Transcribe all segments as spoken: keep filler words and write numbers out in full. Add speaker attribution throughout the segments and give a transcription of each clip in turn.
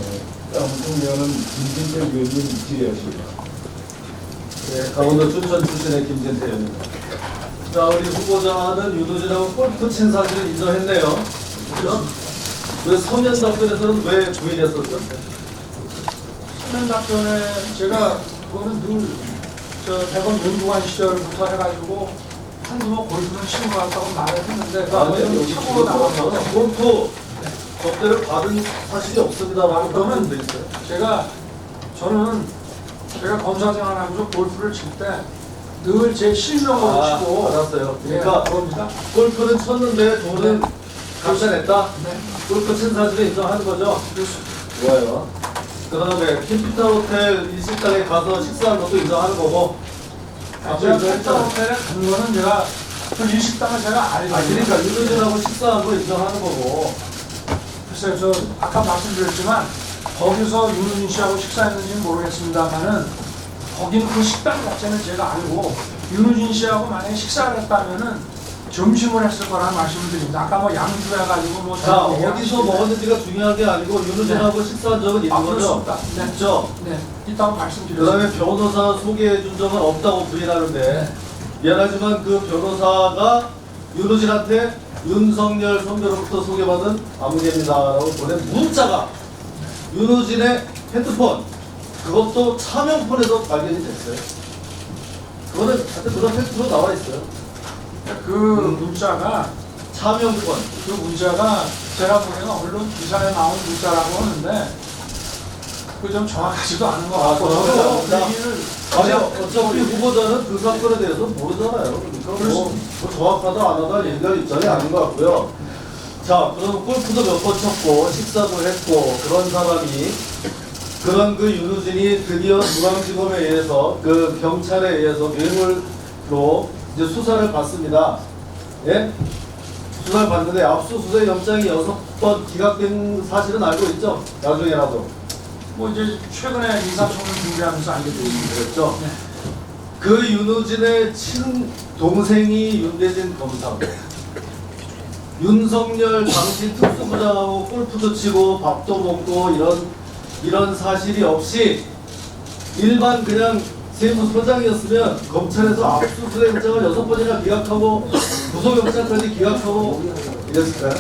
Speaker 1: 다음 김진태 의원님 질의하십니다.
Speaker 2: 네, 강원도 춘천 출신의 김진태 의원입니다. 자, 우리 후보자는 윤호진하고 골프 친 사실을 인정했네요. 그죠? 왜 서면 답변에서는 왜 부인했었죠?
Speaker 3: 서면 답변에 제가 그거는 늘 저 대검 연구관 시절부터 해가지고 한두 번 골프는 치는 것 같다고 말을 했는데 그
Speaker 2: 아니요,
Speaker 3: 아무튼
Speaker 2: 여기
Speaker 3: 참고로 나와서
Speaker 2: 골프 접대를 받은 사실이 없습니다라고
Speaker 3: 그러면
Speaker 2: 돼 있어요.
Speaker 3: 제가 저는 제가 검사 생활하면서 골프를 칠 때 늘 제 실력으로
Speaker 2: 아,
Speaker 3: 치고
Speaker 2: 알았어요.
Speaker 3: 예,
Speaker 2: 그러니까
Speaker 3: 그겁니다.
Speaker 2: 골프는 쳤는데 돈은
Speaker 3: 네.
Speaker 2: 값이 냈다.
Speaker 3: 네.
Speaker 2: 골프 친 사실을 인정하는 거죠. 좋아요. 그 다음에 캠피타 호텔 일식당에 가서 식사한 것도 인정하는 거고.
Speaker 3: 아, 제가 펜타 호텔에 간 거는 제가 그 일식당을 제가 알거든요.
Speaker 2: 아, 그러니까 윤호진하고 식사한 거 인정하는 거고.
Speaker 3: 글쎄요, 저 아까 말씀드렸지만 거기서 윤우진 씨하고 식사했는지는 모르겠습니다만은 거기는 그 식당 자체는 제가 알고 윤우진 씨하고 만약에 식사를 했다면은 점심을 했을 거라는 말씀을 드립니다. 아까 뭐 양주해가지고 뭐
Speaker 2: 자, 어디서 먹었는지가 중요한 게 아니고 윤호진하고
Speaker 3: 네.
Speaker 2: 식사한 적은 있는
Speaker 3: 아, 그럴 수
Speaker 2: 거죠?
Speaker 3: 없다. 네.
Speaker 2: 있죠?
Speaker 3: 네, 이따가
Speaker 2: 그
Speaker 3: 말씀드렸습니다.
Speaker 2: 다음에 변호사 소개해 준 적은 없다고 부인하는데
Speaker 3: 네.
Speaker 2: 미안하지만 그 변호사가 윤호진한테 윤석열 선배로부터 소개받은 아무개입니다라고 보낸 문자가 윤호진의 핸드폰 그것도 차명폰에서 발견이 됐어요. 그거는 하여튼 그런 팩트로 나와 있어요.
Speaker 3: 그 문자가
Speaker 2: 차명폰.
Speaker 3: 그 문자가 제가 보기에는 언론 기사에 나온 문자라고 하는데 그 좀 정확하지도 않은 것
Speaker 2: 아,
Speaker 3: 같고 저도
Speaker 2: 그래요?
Speaker 3: 그 얘기를
Speaker 2: 아니 어차피 후보자는 그 사건에 대해서 모르잖아요. 그러니까 뭐, 뭐 정확하다 안 하다 얘기할 입장이 아닌 것 같고요. 자, 그럼 골프도 몇 번 쳤고 식사도 했고 그런 사람이 그런 그 윤호진이 드디어 중앙지검에 의해서 그 경찰에 의해서 뇌물로 이제 수사를 받습니다. 예? 수사를 받는데 압수수색 영장이 여섯 번 기각된 사실은 알고 있죠? 나중에라도.
Speaker 3: 뭐 이제 최근에 인사청문 준비하면서 알게 됐습니다.
Speaker 2: 그랬죠?
Speaker 3: 네.
Speaker 2: 그 윤호진의 친 동생이 윤대진 검사고 윤석열 당시 특수부장하고 골프도 치고 밥도 먹고 이런 이런 사실이 없이 일반 그냥 세무서장이었으면 검찰에서 압수수색 영장을 여섯 번이나 기각하고 구속영장까지 기각하고 이랬을까요?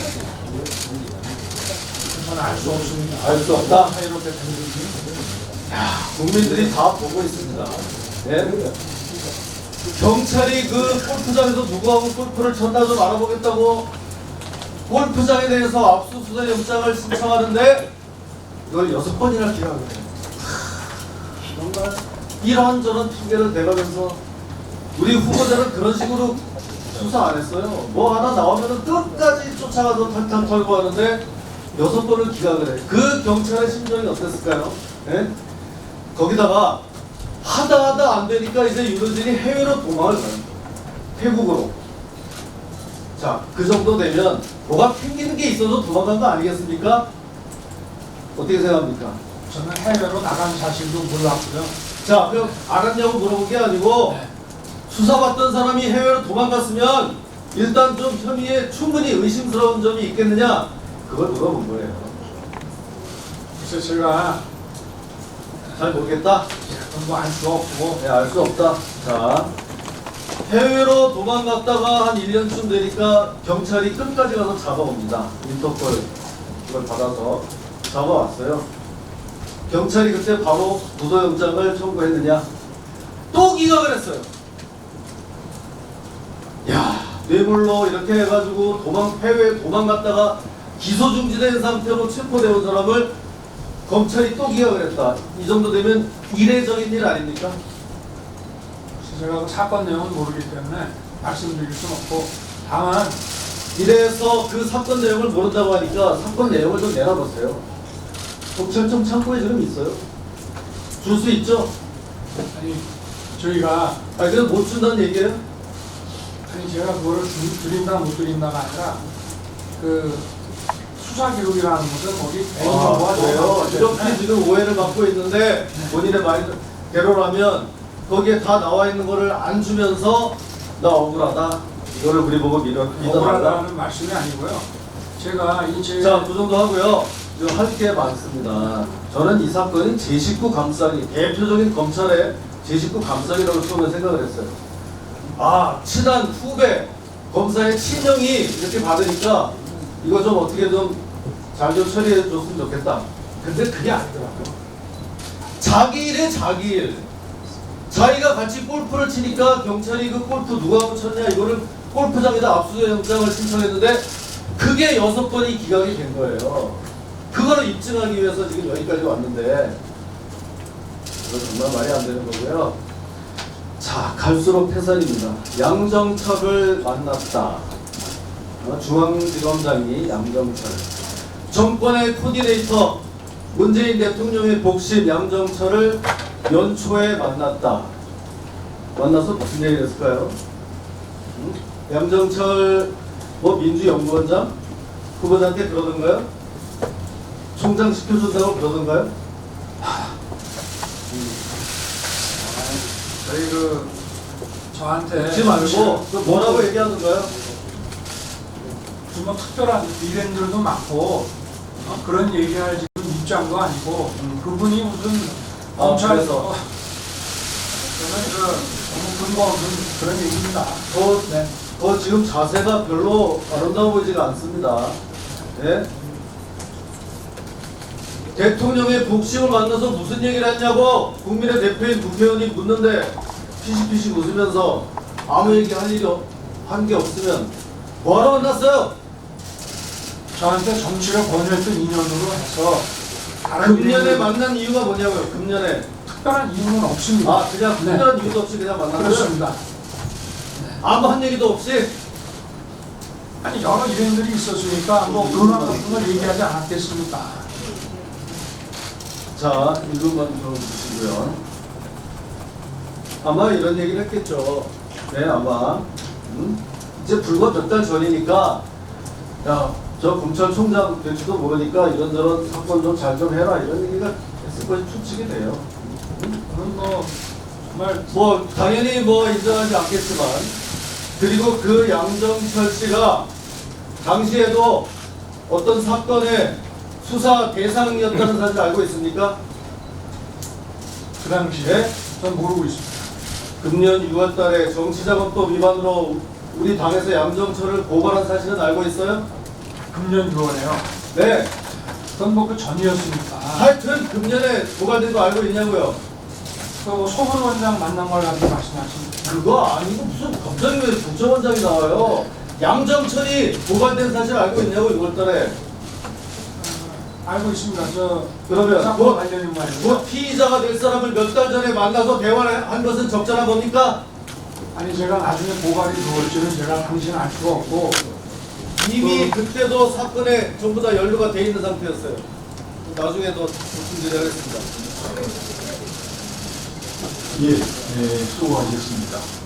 Speaker 3: 저는 알 수 없습니다.
Speaker 2: 알 수 없다.
Speaker 3: 이렇게 되는지.
Speaker 2: 국민들이 다 보고 있습니다. 예? 경찰이 그 골프장에서 누구하고 골프를 쳤나 좀 알아보겠다고 골프장에 대해서 압수수색 영장을 신청하는데 이걸 여섯 번이나 기각을 해요. 정말 이런저런 핑계를 대가면서 우리 후보자는 그런 식으로 수사 안 했어요. 뭐 하나 나오면은 끝까지 쫓아가서 탕탕 털고 하는데 여섯 번을 기각을 해. 그 경찰의 심정이 어땠을까요? 예? 거기다가 하다 하다 안 되니까 이제 윤호진이 해외로 도망을 가요. 태국으로. 자, 그 정도 되면 뭐가 튕기는 게 있어서 도망간 거 아니겠습니까? 어떻게 생각합니까?
Speaker 3: 저는 해외로 나간 사실도 몰랐고요.
Speaker 2: 자, 그럼 알았냐고 물어본 게 아니고
Speaker 3: 네.
Speaker 2: 수사받던 사람이 해외로 도망갔으면 일단 좀 혐의에 충분히 의심스러운 점이 있겠느냐? 그걸 물어본 거예요.
Speaker 3: 그래서 제가
Speaker 2: 잘 모르겠다?
Speaker 3: 그건 뭐 알 수 없고
Speaker 2: 네, 알 수 없다. 자, 해외로 도망갔다가 한 일 년쯤 되니까 경찰이 끝까지 가서 잡아옵니다. 인터폴 이걸 받아서 잡아왔어요. 경찰이 그때 바로 구속영장을 청구했느냐? 또 기각을 했어요. 야, 뇌물로 이렇게 해가지고 도망 해외에 도망갔다가 기소 중지된 상태로 체포되온 사람을 검찰이 또 기각을 했다. 이 정도 되면 이례적인 일 아닙니까?
Speaker 3: 그래서 제가 그 사건 내용을 모르기 때문에 말씀드릴 수는 없고 다만
Speaker 2: 이래서 그 사건 내용을 모른다고 하니까 사건 내용을 좀 내놔보세요. 경찰청 창고에 지금 있어요. 줄 수 있죠?
Speaker 3: 아니 저희가
Speaker 2: 아니 그냥 못 준다는 얘기예요?
Speaker 3: 아니 제가 그거를 주, 드린다 못 드린다가 아니라 그 수사 기록이라는 것은 거기
Speaker 2: 아, 그래요? 이렇게 지금 오해를 받고 있는데 본인의 말대로라면 거기에 다 나와 있는 거를 안 주면서 나 억울하다. 이거를 우리 보고 믿어, 믿어달라.
Speaker 3: 억울하다는 말씀이 아니고요. 제가 이 제
Speaker 2: 자, 그 정도 하고요. 할 게 많습니다. 저는 이 사건이 제 식구 감싸기, 대표적인 검찰의 제 식구 감싸기라고 처음에 생각을 했어요. 아, 친한 후배, 검사의 친형이 이렇게 받으니까 이거 좀 어떻게 좀 잘 좀 처리해 줬으면 좋겠다.
Speaker 3: 근데 그게 아니더라고요.
Speaker 2: 자기 일에 자기 일. 자기가 같이 골프를 치니까 경찰이 그 골프 누가 쳤냐 이거를 골프장에다 압수수색 영장을 신청했는데 그게 여섯 번이 기각이 된 거예요. 그거를 입증하기 위해서 지금 여기까지 왔는데 이거 정말 말이 안 되는 거고요. 자, 갈수록 태산입니다. 양정철을 만났다. 어, 중앙지검장이 양정철. 정권의 코디네이터 문재인 대통령의 복심 양정철을 연초에 만났다. 만나서 무슨 얘기를 했을까요? 응? 양정철 뭐 민주연구원장 후보자한테 그러던가요? 총장 시켜준다고 그러던가요?
Speaker 3: 저희 그 저한테
Speaker 2: 묻지 말고 그 뭐라고 얘기하던가요?
Speaker 3: 무슨 뭐 특별한 일행들도 많고 어? 그런 얘기할 지금 입장도 아니고 음, 그분이 무슨
Speaker 2: 아,
Speaker 3: 검찰에서 저는 그 너무 근거 없는 그런 얘기입니다.
Speaker 2: 더,
Speaker 3: 네.
Speaker 2: 더 지금 자세가 별로 아름다워 보이지가 않습니다. 예? 대통령의 복심을 만나서 무슨 얘기를 했냐고 국민의 대표인 국회의원이 묻는데 피식피식 웃으면서 아무 얘기 할 일이 한 게 없으면 뭐하러 만났어요?
Speaker 3: 저한테 정치를 권유했던 인연으로 해서 다른
Speaker 2: 금년에
Speaker 3: 일행들-
Speaker 2: 만난 이유가 뭐냐고요? 금년에
Speaker 3: 특별한 이유는 없습니다.
Speaker 2: 아 그냥
Speaker 3: 네.
Speaker 2: 특별한 이유도 없이 그냥 만났어요?
Speaker 3: 그렇습니다.
Speaker 2: 아무 한 얘기도 없이?
Speaker 3: 아니 여러 일행들이 있었으니까 뭐 근황 같은 걸 얘기하지 않았겠습니까?
Speaker 2: 자, 일부만 들어주시고요. 아마 이런 얘기를 했겠죠. 네, 아마. 음? 이제 불과 몇 달 전이니까, 야, 저 검찰총장 될지도 모르니까 이런저런 사건 좀 잘 좀 해라. 이런 얘기가 했을 것이 추측이 돼요.
Speaker 3: 그건 뭐 정말
Speaker 2: 뭐, 당연히 뭐 인정하지 않겠지만, 그리고 그 양정철 씨가 당시에도 어떤 사건의 수사 대상이었다는 사실 알고 있습니까?
Speaker 3: 그 당시에
Speaker 2: 네?
Speaker 3: 전 모르고 있습니다.
Speaker 2: 금년 유월 달에 정치자금법 위반으로 우리 당에서 양정철을 고발한 사실은 알고 있어요?
Speaker 3: 금년 유월에요.
Speaker 2: 네.
Speaker 3: 그건 뭐 그 전이었으니까.
Speaker 2: 하여튼 금년에 고발된 거 알고 있냐고요?
Speaker 3: 그 소분 원장 만난 걸 가지고 말씀하십니다.
Speaker 2: 그거 아니고 무슨 갑자기 왜 국정원장이 나와요? 양정철이 고발된 사실 알고 있냐고 유월 달에.
Speaker 3: 알고 있습니다. 저
Speaker 2: 그러면
Speaker 3: 사건
Speaker 2: 뭐,
Speaker 3: 관련인 말이죠.
Speaker 2: 뭐 피의자가 될 사람을 몇 달 전에 만나서 대화를 한 것은 적절한 겁니까?
Speaker 3: 아니 제가 나중에 고발이 누울지는 제가 당신은 알 수가 없고
Speaker 2: 이미 그때도 사건에 전부 다 연루가 돼 있는 상태였어요. 나중에 더 말씀드리겠습니다.
Speaker 1: 예, 예, 수고하셨습니다.